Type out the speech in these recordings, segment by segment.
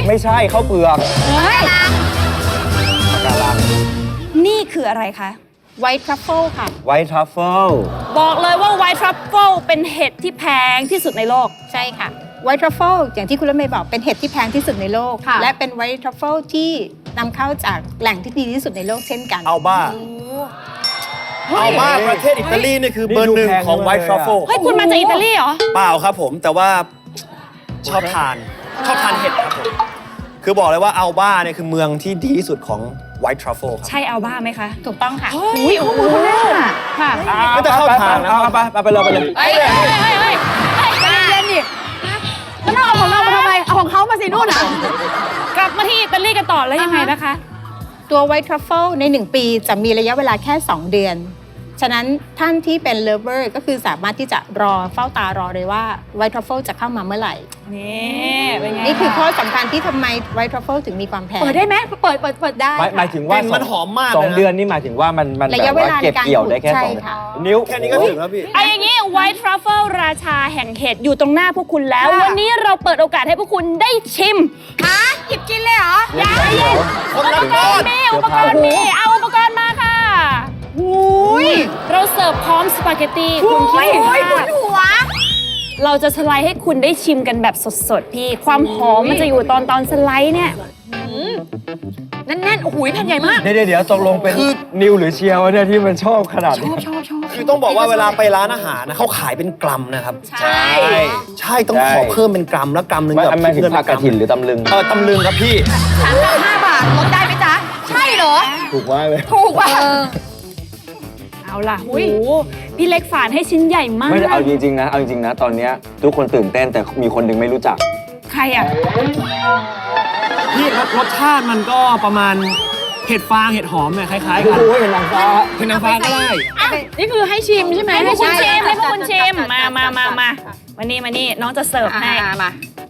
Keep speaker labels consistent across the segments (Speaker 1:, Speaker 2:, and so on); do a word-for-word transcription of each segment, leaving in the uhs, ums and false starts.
Speaker 1: ไม่ใช่ข้าวเปลือก
Speaker 2: เฮ้ย
Speaker 1: ปะการัง
Speaker 3: นี่คืออะไรคะ
Speaker 2: ไวท์ทรัฟเฟิลค่ะ
Speaker 1: ไวท์ทรัฟเฟิล
Speaker 3: บอกเลยว่าไวท์ทรัฟเฟิลเป็นเห็ดที่แพงที่สุดในโลก
Speaker 2: ใช่ค่ะไวท์ทรัฟเฟิลอย่างที่คุณรถเมย์บอกเป็นเห็ดที่แพงที่สุดในโลก และเป็นไวท์ทรัฟเฟิลที่นำเข้าจากแหล่งที่ดีที่สุดในโลกเช่นกัน
Speaker 4: เอาบ้าเอาบ้าประเทศอิตาลีนี่คือเบอร์หนึ่งของไวท์ทรัฟเฟิล
Speaker 3: เฮ้ย คุณมาจากอิตาลีเหรอ
Speaker 4: เปล่าครับผมแต่ว่าชอบทานชอบทานเห็ดครับผมคือบอกเลยว่าอัลบ้าเนี่ยคือเมืองที่ดีที่สุดของไวท์ทรัฟเฟิลครับ
Speaker 3: ใช่อัลบ้าไหมคะ
Speaker 2: ถูกต้องค่ะ
Speaker 3: อุ้ยโอ้โหค่ะ
Speaker 4: ไม่จะเข้าทางนะ
Speaker 1: เอาไปเอาไปเลยไปเลย
Speaker 3: เฮ้ยเฮ้ยเฮ้ยเฮ้ย
Speaker 2: เล่นดิแล้วน้องเอาของเรามาทำไม เอาของเขามาสินู่นอ่ะ
Speaker 3: กลับมาที่อิตาลีกันต่อแล้วยังไงนะคะ
Speaker 2: ตัวไวท์ทรัฟเฟิลในหนึ่งปีจะมีระยะเวลาแค่สองเดือน ฉะนั้นท่านที่เป็นเลเวอร์ก็คือสามารถที่จะรอเฝ้าตารอเลยว่าไวท์ทรัฟเฟิลจะเข้ามาเมื่อไหร่
Speaker 3: นี่เป็นไง
Speaker 2: นี่คือข้อสำคัญที่ทำไมไวท์ทรัฟเฟิลถึงมีความแพง
Speaker 3: เปิดได้ไหมเปิดเปิดเปิดได้
Speaker 1: หมายหมายถึงว่า
Speaker 4: กลิ่นมันหอมมาก
Speaker 1: สอง
Speaker 4: เลยนะ
Speaker 1: เดือนนี่หมายถึงว่ามันมัน
Speaker 2: ระ
Speaker 1: แบ
Speaker 2: ยะ
Speaker 1: บ
Speaker 2: เว
Speaker 1: ว่า
Speaker 2: ลา
Speaker 1: เก็บ
Speaker 2: ในการ
Speaker 1: เกี่ยวได้แค่
Speaker 2: ใช่
Speaker 1: สอง
Speaker 2: ค่ะ
Speaker 1: นิ้ว
Speaker 4: แค่นี้ก็ถึงแล้วพี่
Speaker 3: ไอ้อย่างนี้ไวท์ทรัฟเฟิลราชาแห่งเห็ดอยู่ตรงหน้าพวกคุณแล้ว วันนี้เราเปิดโอกาสให้พวกคุณได้ชิมฮะหยิบกินเลยเหรออย่าเย็น
Speaker 4: คนละ
Speaker 3: อุปก
Speaker 4: ก้อ
Speaker 3: ร
Speaker 4: น
Speaker 3: ณ์มีอุปกรณ์มีเอาอุปกรณ์มาค่ะเราเสิร์ฟพร้อมสปาเกตตี้คุณคิดว่าเราจะสไลด์ให้คุณได้ชิมกันแบบสดๆพี่ความหอมมันจะอยู่ตอนตอนสไลด์เนี่ยแน่นๆโอ้โหแผ่นใหญ่มาก
Speaker 1: เดี๋ยวเดี๋ยวตกลงเป็นนิวหรือเชียวเนี่ยที่มันชอบขนาดนี้
Speaker 4: คือต้องบอกว่าเวลาไปร้านอาหารนะเขาขายเป็นกรัมนะครับ
Speaker 3: ใช่
Speaker 4: ใช่ต้องขอเพิ่มเป็นกรัมแล้วกรัมหนึง
Speaker 1: ไม่
Speaker 4: แบบ
Speaker 1: ไม่ถึงผักกระถินหรือตำลึง
Speaker 4: เออตำลึงครับพี่
Speaker 2: สามสิบห้าบาทลดได้ไหมจ๊ะ ใช่เหรอ
Speaker 1: ถูกมากเลย
Speaker 2: ถูกป่ะ
Speaker 3: เอาล่ะโอ้โหพี่เล็กฝานให้ชิ้นใหญ่มาก
Speaker 1: ไม่ได้เอาจริงๆนะเอาจริงๆนะตอนเนี้ยทุกคนตื่นเต้นแต่มีคนหนึ่งไม่รู้จัก
Speaker 3: ใครอ่ะ
Speaker 4: พี่รสรสชาติมันก็ประมาณเห็ดฟางเห็ดหอมเนี่ยคล้ายๆ
Speaker 1: โอ้
Speaker 4: กัน
Speaker 1: โหเห็นนางฟ้า
Speaker 4: เห็ดนางฟ้าก็ได้
Speaker 2: นี่คือให้ชิมใช่ไหม
Speaker 3: ให้พวกคุณชิม
Speaker 2: ใช่
Speaker 3: ให้พวกคุณชิมมามามามามานี่มานี่น้องจะเสิร์ฟให้
Speaker 2: มา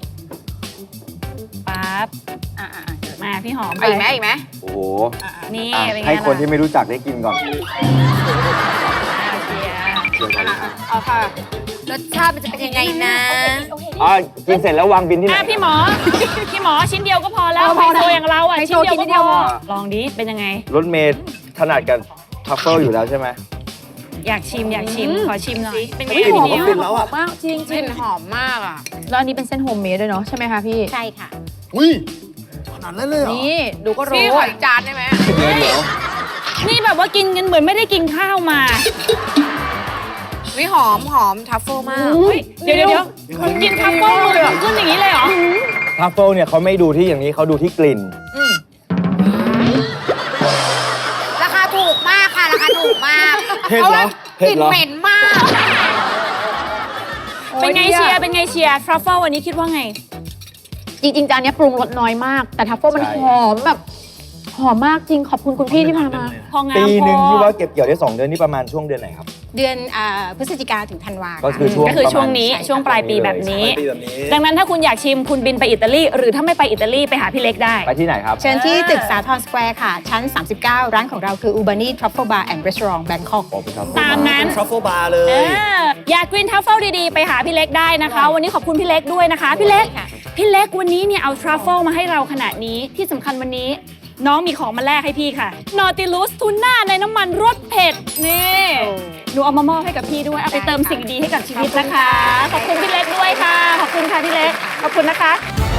Speaker 3: ปั๊บมาพี่หอม
Speaker 2: อีกไหมอีกไหม
Speaker 1: โอ้โห
Speaker 3: นี่
Speaker 1: อ่ะ
Speaker 3: เป็นไง
Speaker 1: ให้คน
Speaker 3: ล่ะ
Speaker 1: ที่ไม่รู้จักได้กินก่อน
Speaker 2: เอาค่ะ รสชาติมันจะเป็นยังไงนะ
Speaker 1: อ่ะกินเสร็จแล้ววางบินที่ไหน
Speaker 3: อ่ะพี่หมอ พี่หมอชิ้นเดียวก็พอแล้วไฮโซอย่างเราอ่ะ
Speaker 2: ไฮโซ
Speaker 3: ชิ้นเดียว
Speaker 2: กิ
Speaker 3: ก็
Speaker 2: นนิดเดี
Speaker 3: พ
Speaker 2: ยว
Speaker 3: อ
Speaker 2: พอ
Speaker 3: ลองดิเป็นยังไง
Speaker 1: รถเมย์ถนัดกับทัฟเฟิลอยู่แล้วใช่ไหม
Speaker 3: อยากชิมอยากชิมขอชิมหน่อยเป็นไง
Speaker 4: เฮ้ย
Speaker 3: พี่
Speaker 4: หอม
Speaker 3: นิว
Speaker 4: กลิ่นแล้วอ่ะ
Speaker 2: มากจริง
Speaker 5: กลิ่นหอมมากอ่ะ
Speaker 2: แล้วอันนี้เป็นเส้นโฮมเมดด้วยเนาะใช่ไหมคะพี่ ใช่ค่ะ
Speaker 4: อุ้ยขนาดนั้นเลยเหรอ
Speaker 2: นี่ดูก็รู้
Speaker 5: พี่ขออีกจานได้ไหม
Speaker 1: เดี๋ยวเดี๋ยว
Speaker 3: นี่แบบว่ากินกันเหมือนไม่ได้กินข้าวมา
Speaker 5: วิหอมหอมทัฟเฟิลมาก
Speaker 3: อุ๊ยเดี๋ยวเดี๋ยวเดี๋ยวคุณกินทัฟเฟิลมือถึงขึ้นอย่างนี้เลยเหรอ
Speaker 1: ทัฟเฟิลเนี่ยเขาไม่ดูที่อย่างนี้เขาดูที่กลิ่น
Speaker 5: ราคาถูกมากค่ะ ราคาถูกมาก
Speaker 1: เผ็ดเหรอ
Speaker 5: พราะว่ากลิ่นเหม็นมาก
Speaker 3: เป็นไงเชียร์เป็นไงเชียร์ทรัฟเฟิลวันนี้คิดว่าไง
Speaker 2: จริงๆจานนี้ปรุงรสน้อยมาก แต่ทัฟเฟิลมัน
Speaker 1: ใช่
Speaker 2: หอมแบบหอมมากจริงขอบคุณคุณพี่ที่พามา
Speaker 3: พองาม
Speaker 1: ปีหนึ่ง
Speaker 3: พอ
Speaker 1: ที่ว่าเก็บเกี่ยวได้สองเดือนนี่ประมาณช่วงเดือนไหนครับ
Speaker 2: เดือนอ่าพฤศจิกาถึงธันวา
Speaker 1: ก็คือช่วง
Speaker 3: ก็คือช่วงนี้
Speaker 1: ประมาณ
Speaker 3: ช่วงปลายปีแบบนี้
Speaker 4: ปีแบบนี้
Speaker 3: ดังนั้นถ้าคุณอยากชิมคุณบินไปอิตาลีหรือถ้าไม่ไปอิตาลีไปหาพี่เล็กได้
Speaker 1: ไปที่ไหนครับ
Speaker 2: เชิญที่ตึกสาทรสแควร์ค่ะ ชั้น สามสิบเก้า ร้านของเราคือ Ubani Truffle Bar and Restaurant Bangkok
Speaker 1: บอกไปครับ
Speaker 3: ตามนั้น
Speaker 4: ทรัฟเฟิลบาร์เล
Speaker 3: เอย ออยากกินทัฟเฟิลดีๆ ไปหาพี่เล็กได้นะคะ วันนี้ขอบคุณพี่เล็กด้วยนะคะ พี่เล็ก พี่เล็กวันนี้เนี่ยเอาทรัฟเฟิลมาให้เราขนาดนี้ที่สำคัญวันนี้ น้องมีของมาแลกให้พี่ค่ะนอติลูสทูน่าในน้ำมันรสเผ็ดนี่หนูเอามามอบให้กับพี่ด้วยเอาไปเติมสิ่งดีให้กับชีวิตนะคะ ขอบคุณพี่เล็กด้วยค่ะ ขอบคุณค่ะพี่เล็กขอบคุณนะคะ